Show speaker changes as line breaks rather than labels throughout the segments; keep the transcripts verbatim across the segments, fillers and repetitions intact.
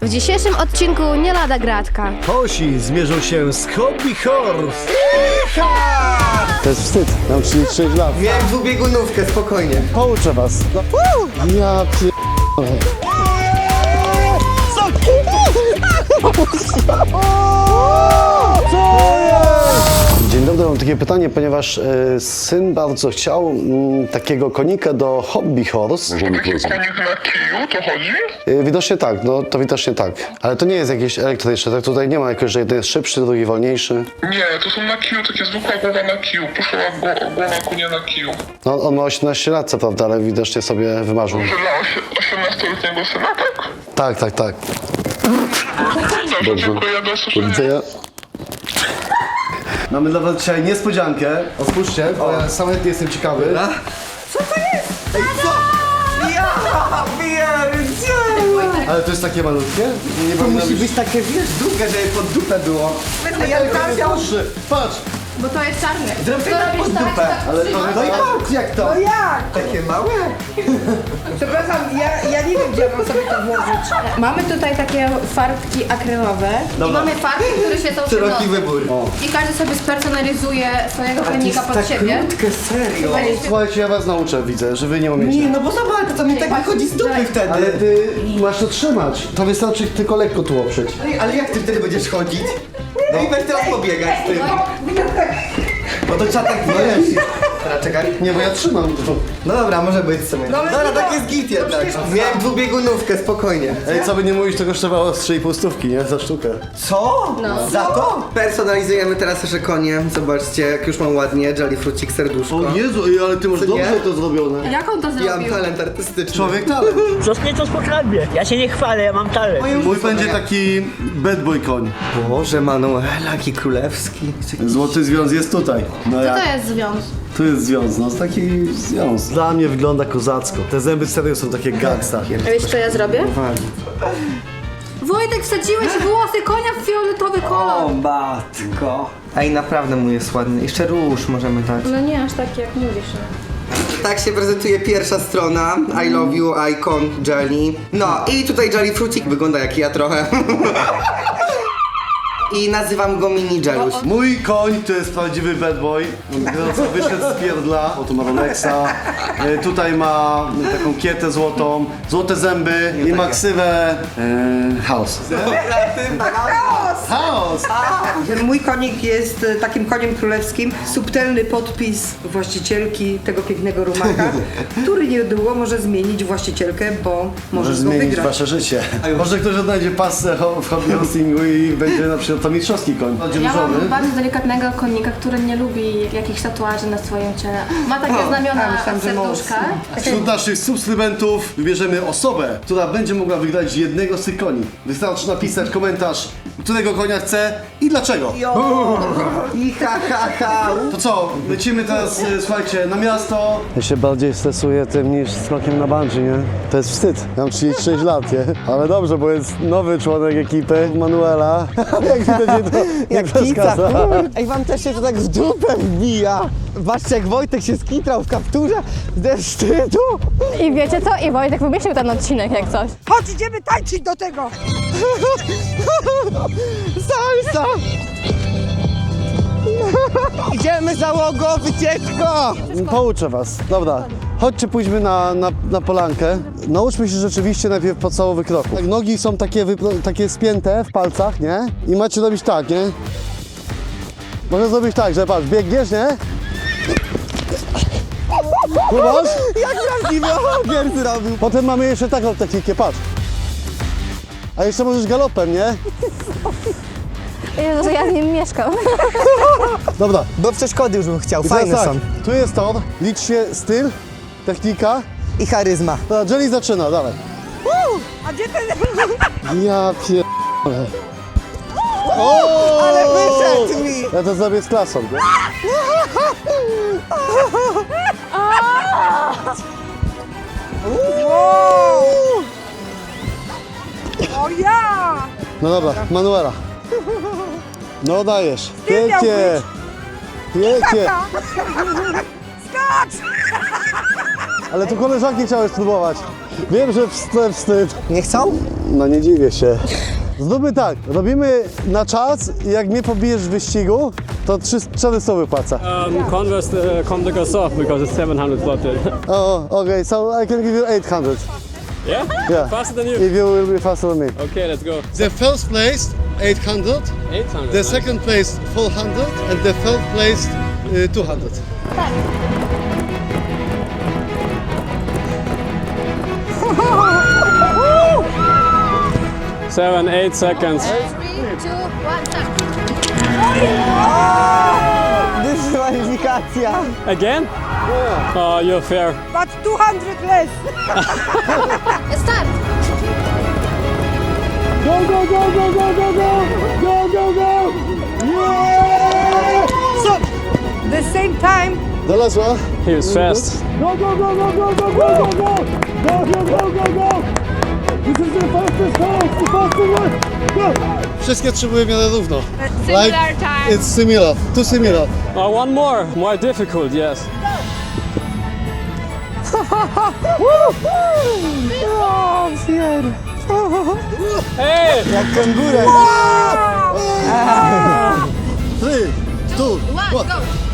W dzisiejszym odcinku nie lada gratka.
Hosi zmierzą się z Hobby Horse.
To jest wstyd, mam trzydzieści sześć lat.
Miałem dwubiegunówkę, spokojnie.
Pouczę was. No. Ja pier... Dzień dobry, mam takie pytanie, ponieważ e, syn bardzo chciał m, takiego konika do Hobby Horse.
Taki konik na kiju, to chodzi?
E, widocznie tak, no to widocznie tak. Ale to nie jest jakieś elektryczne, tak? Tutaj nie ma jakoś, że jeden jest szybszy, drugi wolniejszy.
Nie, to są na kiju, takie zwykła głowa na kiju. Poszła go, głowa kunia na kiju.
No, on ma osiemnaście lat, co prawda, ale widocznie sobie wymarzył.
Że dla osiemnastoletniego syna, tak?
Tak, tak, tak.
Dobrze, dziękuję, do usłyszenia.
Widzenia.
Mamy dla was dzisiaj niespodziankę. Otwórzcie, bo ja sam chętnie jestem ciekawy.
Co to jest? Ej, co? Ja pierdzielę!
Ale to jest takie malutkie? Nie
To
powinno
musi być takie, wiesz, długie, żeby pod dupę było. Ja tam miał...
Patrz!
Bo to jest czarny.
Zrób
To
tak
robisz
pod
tak,
dupę.
tak,
Ale
trzymasz.
to
No i patrz, jak to?
No jak?
Takie małe?
Przepraszam, ja, ja nie wiem, gdzie mam sobie to włożyć.
Mamy tutaj takie farbki akrylowe i mamy farbki, które świecą się w
Szeroki
nocy.
wybór.
I każdy sobie spersonalizuje swojego konika pod
tak
siebie.
krótkie, serio.
Słuchajcie, ja was nauczę, widzę, że wy nie umiecie.
Nie, no bo zobacz, to mi tak wychodzi z dupy wtedy.
Ale ty masz to trzymać. To wystarczy tylko lekko tu oprzeć.
Ej, ale jak ty wtedy będziesz chodzić? No i będę teraz pobiegać z tym. No to trzeba tak wiesz. Dobra, czekaj.
Nie, bo ja trzymam to.
No dobra, może być w sumie.
ale
Dobra,
nie
tak
ma.
jest git jednak. Miałem dwubiegunówkę, spokojnie.
Ej, co by nie mówić, to kosztowało z trzy i pół stówki, nie? Za sztukę.
Co?
No.
Za to? Personalizujemy teraz nasze konie. Zobaczcie, jak już mam ładnie. Jelly Frucik serduszko.
O Jezu, ej, ale ty masz
Co nie?
dobrze to zrobione.
Jak on to
Ja mam
zrobił?
talent artystyczny.
Człowiek talent.
Zostanie to spokradnie. Ja się nie chwalę, ja mam talent.
Mój będzie taki bad boy koń.
Boże, Manuel, jaki królewski.
Złoty związ jest tutaj. No
Co
jak?
to jest związ?
Tu jest związ, no taki związ.
Dla mnie wygląda kozacko. Te zęby serio są takie gangsta.
A wiesz co ja zrobię? Wojtek, wsadziłeś włosy konia w fioletowy
O
kolor.
matko. Ej, naprawdę mój jest ładny. Jeszcze róż możemy dać.
No nie aż tak jak mówisz.
Tak się prezentuje pierwsza strona. I love you, icon, Jelly. No i tutaj Jelly Frucik wygląda jak ja trochę. I nazywam go Mini Jeluś.
Mój koń to jest prawdziwy bad boy. On wyszedł z pierdla. O, tu ma Rolexa. E, tutaj ma taką kietę złotą, złote zęby i ma ksywę e, Chaos. Chaos!
Mój konik jest e, takim koniem królewskim. Subtelny podpis właścicielki tego pięknego rumaka, który niedługo może zmienić właścicielkę, bo może
Może
z go
zmienić
wygrać.
wasze życie. Może ktoś odnajdzie pasę ho- w hobby hostingu i będzie na przykład to mistrzowski koń. Będzie
Ja
różowy.
mam bardzo delikatnego konika, który nie lubi jakichś tatuaży na swoim ciele. Ma takie
O,
znamiona
a, myślałam, że
serduszka.
Wśród naszych subskrybentów wybierzemy osobę, która będzie mogła wygrać jednego z tych koni. Wystarczy napisać komentarz, którego konia chce i dlaczego.
I ha ha ha.
To co, lecimy teraz, e, słuchajcie, na miasto. Ja się bardziej stresuję tym niż skokiem na bungee, nie? To jest wstyd. Ja mam trzydzieści sześć lat, nie? Ale dobrze, bo jest nowy członek ekipy, Manuela. Jak widać, nie, to nie
Jak kica,
przeszkadza.
kur... Ej, wam też się to tak w dupę wbija. Patrzcie, jak Wojtek się skitrał w kapturze ze wstydu.
I wiecie co? I Wojtek wymyślił ten odcinek jak coś.
Chodź, idziemy tańczyć do tego!
Salsa! Idziemy załogo, wycieczko!
Pouczę was. Dobra, chodźcie pójdźmy na, na, na polankę. Nauczmy się rzeczywiście najpierw podstawowych kroków. Tak, nogi są takie, wypro- takie spięte w palcach, nie? I macie robić tak, nie? Można zrobić tak, że patrz, biegniesz, nie? Kubasz?
Jak prawdziwy ogier zrobił.
Potem mamy jeszcze taką technikę, patrz. A jeszcze możesz galopem, nie?
Jezu, ja z nim mieszkam.
Dobra.
Bo przeszkody już bym chciał,
I teraz
fajne
tak,
są.
tu jest tor, licz się styl, technika.
I charyzma.
Dobra, Jelly zaczyna, dalej.
A gdzie ten...
Ja pier...
Ale wyszedł mi!
Ja to zrobię z klasą, nie?
Wow! O ja!
No dobra, Manuela. No dajesz.
Ty miał
Pięknie. Pięknie.
Skacz!
Ale tu koleżanki chciały spróbować. Wiem, że wstyd, wstyd.
Nie chcą?
No nie dziwię się. Zróbmy tak, robimy na czas i jak mnie pobijesz w wyścigu, to trzy strzały wypłaca.
Um, Converse uh, come to go soft because it's seven hundred zloty.
Oh, okay, so I can give you eight hundred.
Yeah?
Yeah.
Faster than you.
If you will be faster than me.
Okay, let's go.
The first place, eight hundred.
eight hundred.
The second place, four hundred. And the third place, uh, two hundred.
Seven, eight seconds.
three, two, one, start.
Dyskwalifikacja.
Again? Oh, you're fair.
But two hundred less.
Start!
Go, go, go, go, go, go, go! Go, go, go! Yeah! Stop!
The same time.
The last one.
He was fast.
Go, go, go, go, go, go, go, go, go! Go, go, go, go, go! This is the fastest horse, the fastest one! Go! Wszystkie trzy były w miarę równo.
Similar time.
It's similar, too similar.
Oh, one more. More difficult, yes.
O, fier.
Hey!
Jak kangurek.
Three, two,
One, go!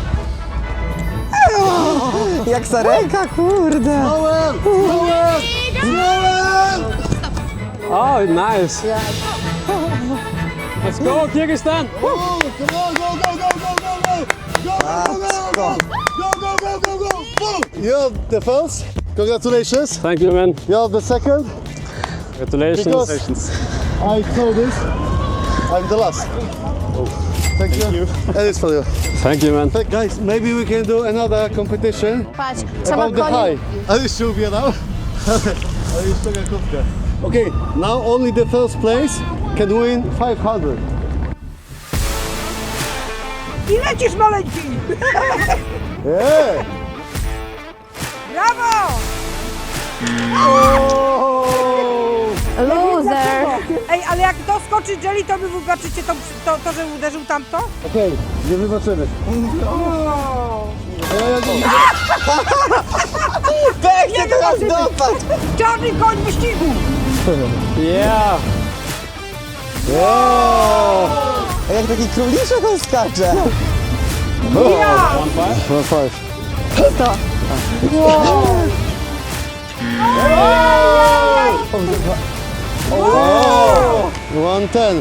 Jak sarenka, kurde.
Slower, slower, slower!
Oh, nice. Let's go, Kyrgyzstan.
Oh, come on, go, go, go, go, go, go! Go, go, go, go! Go, go, go, go, go! Boom! You're the first. Congratulations.
Thank you, man.
You're the second.
Congratulations.
Because I saw this. I'm the last. Thank, Thank you. you. And it's for you.
Thank you, man.
Hey, guys, maybe we can do another competition
Patrz, sama
about the
koni.
high. Ale już się ubierał. Ale już ściąga kurtkę. Okay, now only the first place can win five hundred.
I lecisz maleńki.
Yeah!
Brawo!
Loser!
Ej, ale jak to skoczy Jelly, to wy wybaczycie to, to, to, że uderzył tamto?
Okej, okay, nie wybaczymy. A ja jak nie...
Peknie teraz dopadł.
Czarny koń wyścigu!
Yeah.
Wow!
A jak taki króliczek on skacze.
Ja!
One five.
One five. One ten.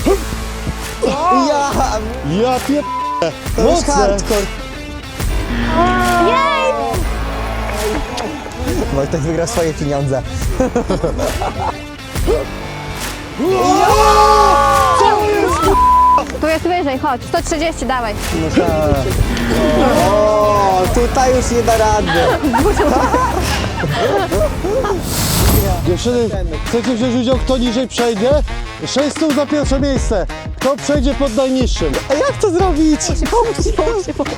Ja,
Ja pier...
to już
Mocne.
hardcore.
Jej!
Wojtek wygrał swoje pieniądze.
Tu jest wyżej, chodź. sto trzydzieści, dawaj.
O, tutaj już nie da rady.
Dziewczyny, chcecie wziąć udział, kto niżej przejdzie? sześć stów za pierwsze miejsce. Kto przejdzie pod najniższym?
A jak to zrobić?
Pomóż, pomóż, pomóż.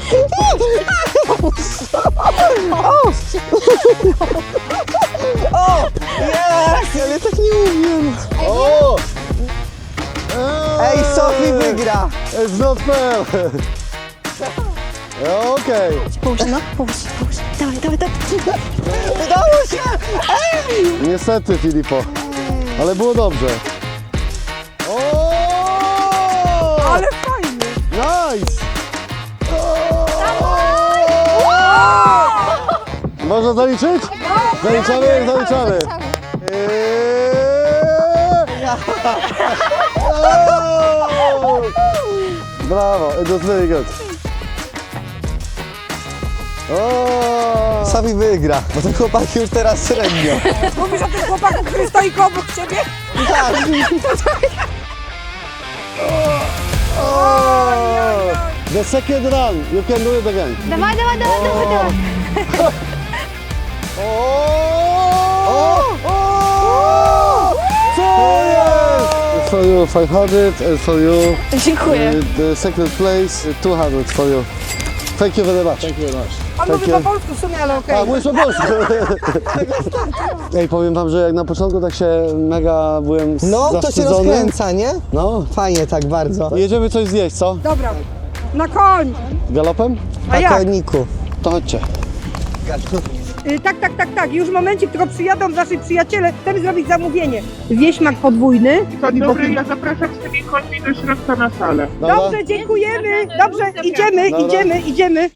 O, jest, ale tak nie umiem.
O!
Ej, Sophie wygra.
It's not fair. Okej.
Pomóż, no, pomóż, pomóż. Dawaj, dawaj, dawaj.
Udało się. Ej.
Niestety, Filipo. Ale było dobrze. O!
Ale fajnie!
Nice! Można zaliczyć? Zaliczamy, zaliczamy. Eee! O! Brawo, it was very good. O!
Sophie wygra, bo ten chłopak już teraz średnio.
Mówisz o tym chłopaku, który stoi obok ciebie?
Tak.
O! The second run, you can do it again.
Dawaj, dawaj, dawaj, dawaj, dawaj.
O! O! Co jest? For you five hundred and for you
Dziękuję.
uh, the second place two hundred for you. Thank you very much. Thank you very much.
On mówi po polsku w sumie, ale okej.
A, mówisz po polsku. Ej, powiem wam, że jak na początku tak się mega byłem
No, to się
zawstydzony.
rozkręca, nie?
No.
Fajnie tak bardzo.
Jedziemy coś zjeść, co?
Dobra, na koń!
Galopem?
A
Na
jak?
koniku.
To chodźcie.
Y, tak, tak, tak, tak. Już w momencie, tylko przyjadą nasi przyjaciele, chcemy zrobić zamówienie. Wieśmak podwójny.
Dobry, ja zapraszam z tymi końmi do środka na salę.
Dobra?
Dobrze, dziękujemy. Dobrze, idziemy,
Dobra.
idziemy, idziemy.